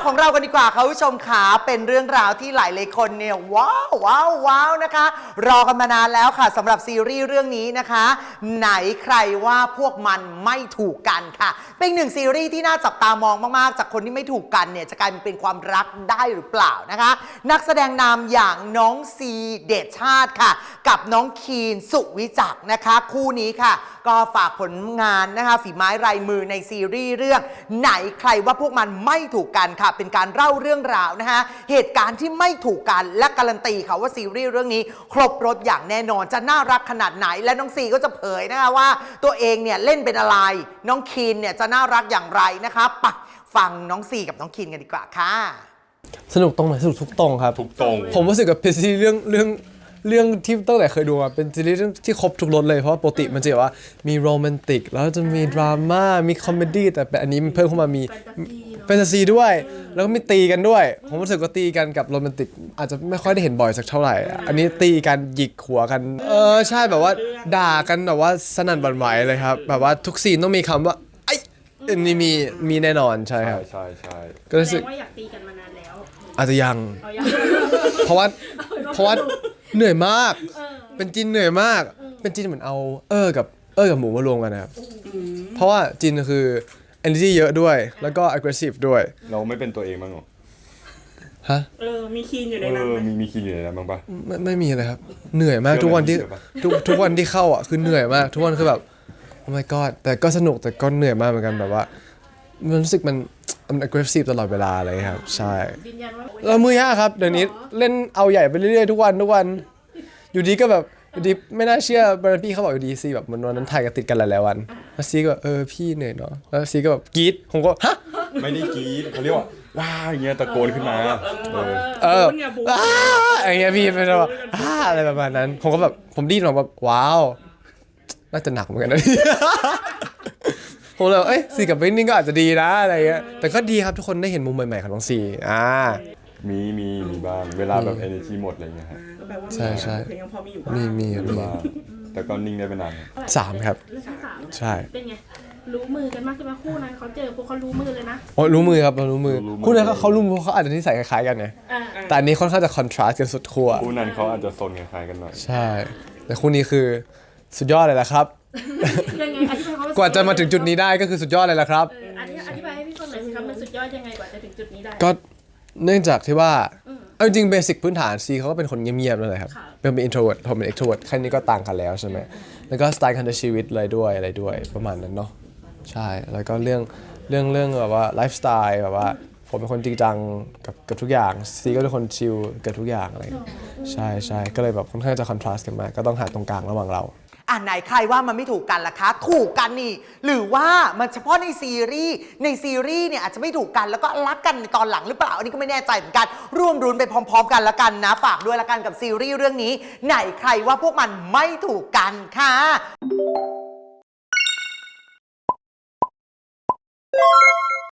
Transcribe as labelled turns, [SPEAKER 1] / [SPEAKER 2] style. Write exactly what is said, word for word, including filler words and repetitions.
[SPEAKER 1] ของเรากันดีกว่าค่ะผู้ชมขาเป็นเรื่องราวที่หลายหลายคนเนี่ยว้าวว้าวว้าวนะคะรอกันมานานแล้วค่ะสำหรับซีรีส์เรื่องนี้นะคะไหนใครว่าพวกมันไม่ถูกกันค่ะเป็นหนึ่งซีรีส์ที่น่าจับตามองมากๆจากคนที่ไม่ถูกกันเนี่ยจะกลายเป็นความรักได้หรือเปล่านะคะนักแสดงนำอย่างน้องซีเดชชาติค่ะกับน้องคีนสุวิจักรนะคะคู่นี้ค่ะก็ฝากผลงานนะคะฝีไม้ลายมือในซีรีส์เรื่องไหนใครว่าพวกมันไม่ถูกกันค่ะเป็นการเล่าเรื่องราวนะคะเหตุการณ์ที่ไม่ถูกกันและการันตีค่ะว่าซีรีส์เรื่องนี้ครบรสอย่างแน่นอนจะน่ารักขนาดไหนและน้องซีก็จะเผยนะคะว่าตัวเองเนี่ยเล่นเป็นอะไรน้องคีนเนี่ยจะน่ารักอย่างไรนะคะปะฟังน้องซีกับน้องคีนกันดีกว่าค่ะ
[SPEAKER 2] สนุกตรงไหนสนุกทุกตรงครับ
[SPEAKER 3] ทุกตรง
[SPEAKER 2] ผมรู้สึกกับเป็นซีรีส์เรื่องเรื่องเรื่องที่ตั้งแต่เคยดูมาเป็นซีรีส์ที่ครบทุกรสเลยเพราะว่าปกติมันจะแบบว่ามีโรแมนติกแล้วจะมีดราม่ามีคอมเมดี้แต่อันนี้มันเพิ่มเข้ามามีแฟนตาซีด้วยแล้วก็มีตีกันด้วยผมรู้สึกว่าตีกันกับโรแมนติกอาจจะไม่ค่อยได้เห็นบ่อยสักเท่าไหร่อันนี้ตีกันหยิกหัวกันเออใช่แบบว่าด่ากันแบบว่าสนั่นหวั่นไหวเลยครับแบบว่าทุกซีนต้องมีคำว่าไอ้อันนี้มีมีแน่นอนใช่ครับ
[SPEAKER 3] ใช่ใช่
[SPEAKER 2] ก็รู้สึก
[SPEAKER 4] ว่าอยากตีกันมานานแล้ว
[SPEAKER 2] อาจจะยังเพราะว่าเพราะว่าเหนื่อยมากเป็นจินเหนื่อยมากเป็นจินเหมือนเอาเออกับเออกับหมูมารวมกันนะครับเพราะว่าจินคือ energy เยอะด้วยแล้วก็ aggressive ด้วย
[SPEAKER 3] เราไม่เป็นตัวเองบ้างหรอ
[SPEAKER 2] ฮะ
[SPEAKER 4] เออมีคีนอยู่ใน
[SPEAKER 3] เอ
[SPEAKER 4] นั้น
[SPEAKER 3] อมีมีคีนอยู่ในนั้นบ้างปะ
[SPEAKER 2] ไม่ไม่มีเลยครับเหนื่อยมากทุกวันที่ทุกทุกวันที่เข้าอ่ะคือเหนื่อยมากทุกวันคือแบบ oh my god แต่ก็สนุกแต่ก็เหนื่อยมากเหมือนกันแบบว่ามันรู้สึกมันมัน aggressive ตลอดเวลาเลยครับใช่เรามือยากครับเดี๋ยวนี้เล่นเอาใหญ่ไปเรื่อยๆทุกวันทุกวันอยู่ดีก็แบบอยู่ดีไม่น่าเชื่อบรนพี่เขาบอกอยู่ดีซีแบบมันวันนั้นถ่ายกันติดกันหลายๆวันแล้วซีก็แบบเออพี่เหนื่อยเนาะแล้วซีก็แบบกรี๊ดผมก็ฮะ
[SPEAKER 3] ไม่ได้กรี๊ดเขาเรียกว่าว้าอย่างเงี้ยตะโกนขึ้นมาเออ
[SPEAKER 2] เอออ้าอย่างเงี้ยพี่เป็นแบบอ้าอะไรประมาณนั้นผมก็แบบผมดิ้นออกแบบว้าวน่าจะหนักเหมือนกันนะผมเลยเอ้ยซีกับเบนนิ่งก็อาจจะดีนะอะไรเงี้ยแต่ก็ดีครับทุกคนได้เห็นมุมใหม่ๆของน้องซีอ่า
[SPEAKER 3] มีมีมีบ้างเวลาแบบ energy หมดอะไรเงี้ยฮะ
[SPEAKER 2] ใช่ใช่มีมีมีบ้าง
[SPEAKER 3] แต่ก็นิ่งได้เป็นนาน
[SPEAKER 2] สามครับ
[SPEAKER 4] เรื่องที่สาม
[SPEAKER 2] ใช่
[SPEAKER 4] เป็นไงรู้มือกันมากใช่ไหมคู่นั้นเขาเจอพวกเขารู้มือเลยนะ
[SPEAKER 2] โอ้รู้มือครับเรารู้มือคู่นั้นเขารู้มือเขาอาจจะนิสัยคล้ายๆกันไงแต่อันนี้ค่อนข้างจะคอนทราสต์กันสุดขั้ว
[SPEAKER 3] คู่นั้นเขาอาจจะโซนคล้ายๆกันหน่อย
[SPEAKER 2] ใช่แต่คู่นี้คือสุดยอดเลยแหละครับ
[SPEAKER 4] ยังไงอธิบายเขา
[SPEAKER 2] กว่าจะมาถึงจุดนี้ได้ก็คือสุดยอดเลยแหละครับ
[SPEAKER 4] อธิบายให้พี่ฟังหน่อยสิครับมันสุดยอดยังไงกว่าจะถึงจุดนี้ได้
[SPEAKER 2] ก็เนื่องจากที่ว่าเอาจริงเบสิกพื้นฐานซีเขาก็เป็นคนเงียบๆนั่นแหละครับเป็นเป็น introvert ผมเป็น extrovert แค่นี้ก็ต่างกันแล้วใช่ไหมแล้วก็สไตล์การใช้ชีวิตอะไรด้วยอะไรด้วยประมาณนั้นเนาะใช่แล้วก็เรื่องเรื่องเรื่องแบบว่าไลฟ์สไตล์แบบว่าผมเป็นคนจริงจังกับกับทุกอย่างซีก็เป็นคนชิลกับทุกอย่างอะไรใช่ใช่ก็เลยแบบค่อนข้างจะคอนทราสต์กันมากก็ต้องหาตรงกลางระหว่างเรา
[SPEAKER 1] อ่ะไหนใครว่ามันไม่ถูกกันล่ะคะถูกกันนี่หรือว่ามันเฉพาะในซีรีส์ในซีรีส์เนี่ยอาจจะไม่ถูกกันแล้วก็รักกันในตอนหลังหรือเปล่าอันนี้ก็ไม่แน่ใจเหมือนกันร่วมรุ้นไปพร้อมๆกันละกันนะฝากด้วยละกันกับซีรีส์เรื่องนี้ไหนใครว่าพวกมันไม่ถูกกันค่ะ